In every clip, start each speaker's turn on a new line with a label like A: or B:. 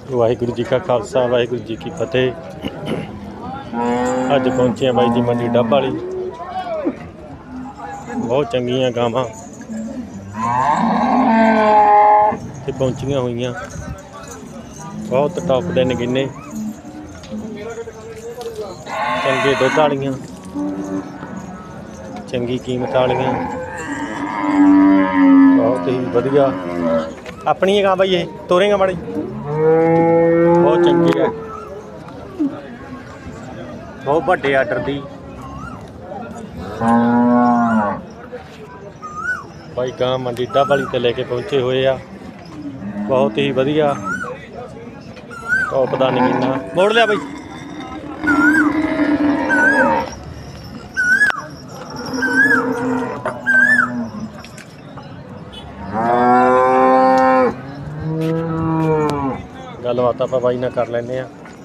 A: वाहिगुरू जी का खालसा वाहिगुरू जी की फतेह। अज पहुंचे हैं बाई जी मंडी डब वाली। बहुत चंगियां गावां ते पहुंचियां हुई, बहुत टॉप दे नगीने चंगे दुध वालियां, चंगी कीमत वालियां, बहुत ही वधिया अपनी गां बाई। ये तोरेगा माड़ी, बहुत चंगी है, बहुत बड़े आर्डर दी भाई गां मंडी डब वाली ते लेके पहुंचे हुए आ। बहुत ही वधिया टॉप दा नगीना मोड़ लिया बई। गलबात आप बाई ना कर लें।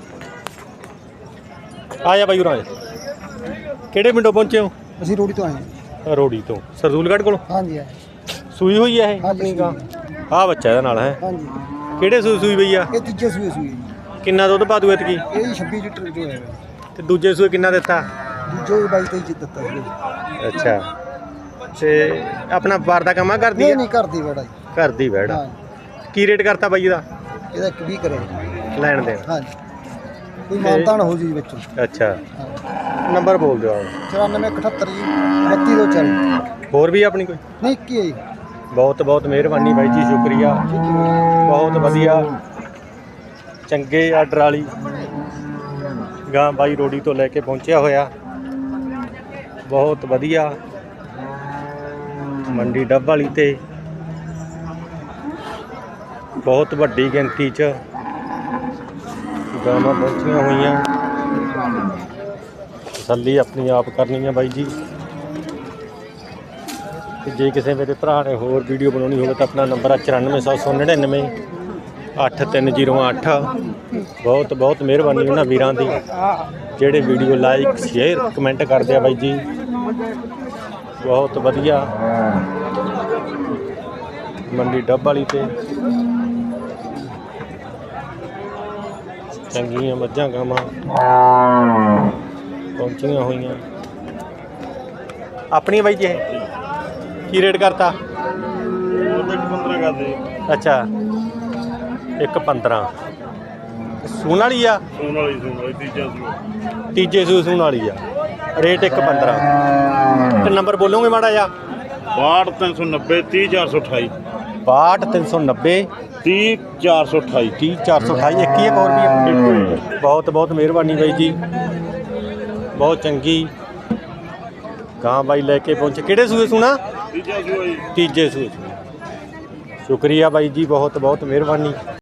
A: आ जा बाई उरा किहड़े पिंडों पहुंचे हो?
B: ਅਸੀਂ ਰੋੜੀ ਤੋਂ ਆਏ
A: रोड़ी तो सरदूलगढ़ को
B: ਹਾਂਜੀ
A: सूई हुई है ये
B: ਹਾਂਜੀ
A: गां। आ बच्चा ਇਹਦੇ ਨਾਲ है
B: ਹਾਂਜੀ
A: ਕਿਹੜੇ ਸੂਈ ਸੂਈ ਪਈ ਆ?
B: ਇਹ ਤੀਜੇ ਸੂਏ ਸੂਏ ਜੀ।
A: ਕਿੰਨਾ ਦੁੱਧ ਪਾ ਦੂ ਇਤਕੀ?
B: ਇਹ 26 ਲੀਟਰ ਜੋ ਹੈ
A: ਤੇ ਦੂਜੇ ਸੂਏ ਕਿੰਨਾ ਦਿੱਤਾ?
B: ਦੂਜੇ 22 23 ਦਿੱਤਾ ਸੀ।
A: ਅੱਛਾ ਤੇ ਆਪਣਾ ਵਪਾਰ ਦਾ ਕੰਮ ਆ ਕਰਦੀ
B: ਨਹੀਂ
A: ਹੈ?
B: ਨਹੀਂ ਕਰਦੀ ਬੜਾ ਜੀ।
A: ਘਰ ਦੀ ਵੈੜ
B: ਹਾਂ
A: ਕੀ ਰੇਟ ਕਰਤਾ ਬਾਈ ਇਹਦਾ
B: ਇਹਦਾ ਇੱਕ ਵੀ ਕਰੇ
A: ਲੈਣ ਦੇ?
B: ਹਾਂਜੀ ਕੋਈ ਮਾਨਤਾਨ ਹੋ ਜੀ ਵਿੱਚ।
A: ਅੱਛਾ
B: ਹਾਂ
A: ਨੰਬਰ ਬੋਲ ਦਿਓ ਆਪ।
B: 9478 ਜੀ 3240।
A: ਹੋਰ ਵੀ ਆਪਣੀ ਕੋਈ?
B: ਨਹੀਂ ਕੀ ਹੈ ਜੀ।
A: ਬਹੁਤ ਬਹੁਤ ਮਿਹਰਬਾਨੀ ਬਾਈ ਜੀ, ਸ਼ੁਕਰੀਆ। ਬਹੁਤ ਵਧੀਆ ਚੰਗੇ ਆਰਡਰ ਵਾਲੀ ਗਾਂ ਬਾਈ ਰੋੜੀ ਤੋਂ ਲੈ ਕੇ ਪਹੁੰਚਿਆ ਹੋਇਆ। ਬਹੁਤ ਵਧੀਆ ਮੰਡੀ ਡੱਬ ਵਾਲੀ ਤੇ ਬਹੁਤ ਵੱਡੀ ਗਿਣਤੀ 'ਚ ਗਾਵਾਂ ਪਹੁੰਚੀਆਂ ਹੋਈਆਂ। ਤਸੱਲੀ ਆਪਣੀ ਆਪ ਕਰਨੀ ਹੈ ਬਾਈ ਜੀ। ਤੇ ਜੇ ਕਿਸੇ ਮੇਰੇ ਭਰਾ ਨੇ ਹੋਰ ਵੀਡੀਓ ਬਣਾਉਣੀ ਹੋਵੇ ਤਾਂ ਆਪਣਾ ਨੰਬਰ ਆ 9499 8308। ਬਹੁਤ ਬਹੁਤ ਮਿਹਰਬਾਨੀ ਉਹਨਾਂ ਵੀਰਾਂ ਦੀ ਜਿਹੜੇ ਵੀਡੀਓ ਲਾਈਕ ਸ਼ੇਅਰ ਕਮੈਂਟ ਕਰਦੇ ਆ ਬਾਈ ਜੀ। ਬਹੁਤ ਵਧੀਆ ਮੰਡੀ ਡੱਬ ਵਾਲੀ ਤੇ ਚੰਗੀਆਂ ਮੱਝਾਂ ਗਾਵਾਂ ਪਹੁੰਚੀਆਂ ਹੋਈਆਂ। ਆਪਣੀ ਬਾਈ ਜੀ ਇਹ ਕੀ ਰੇਟ ਕਰਤਾ?
C: 15 ਕਰਦੇ।
A: ਅੱਛਾ 1.15 ਸੂਣ ਵਾਲੀ ਆ?
C: ਸੂਣ ਵਾਲੀ ਤੀਜਾ ਸੂਆ।
A: ਤੀਜੇ ਸੂਣ ਵਾਲੀ ਆ, ਰੇਟ 1.15। ਤੇ ਨੰਬਰ ਬੋਲੋਗੇ ਮਾੜਾ ਜਿਹਾ?
C: 62 390
A: 62
C: 30428
A: 30428
C: 30 428
A: 30428। ਇੱਕ ਹੀ ਇੱਕ ਹੋਰ ਵੀ ਆ? ਬਹੁਤ ਬਹੁਤ ਮਿਹਰਬਾਨੀ ਬਾਈ ਜੀ, ਬਹੁਤ ਚੰਗੀ ਗਾਂ ਬਾਈ ਲੈ ਕੇ ਪਹੁੰਚੇ। ਕਿਹੜੇ ਸੂਏ ਸੁਣਾ?
C: ਤੀਜਾ ਸੂਆ ਜੀ।
A: ਤੀਜੇ ਸੂਏ। ਸ਼ੁਕਰੀਆ ਬਾਈ ਜੀ, ਬਹੁਤ ਬਹੁਤ ਮਿਹਰਬਾਨੀ।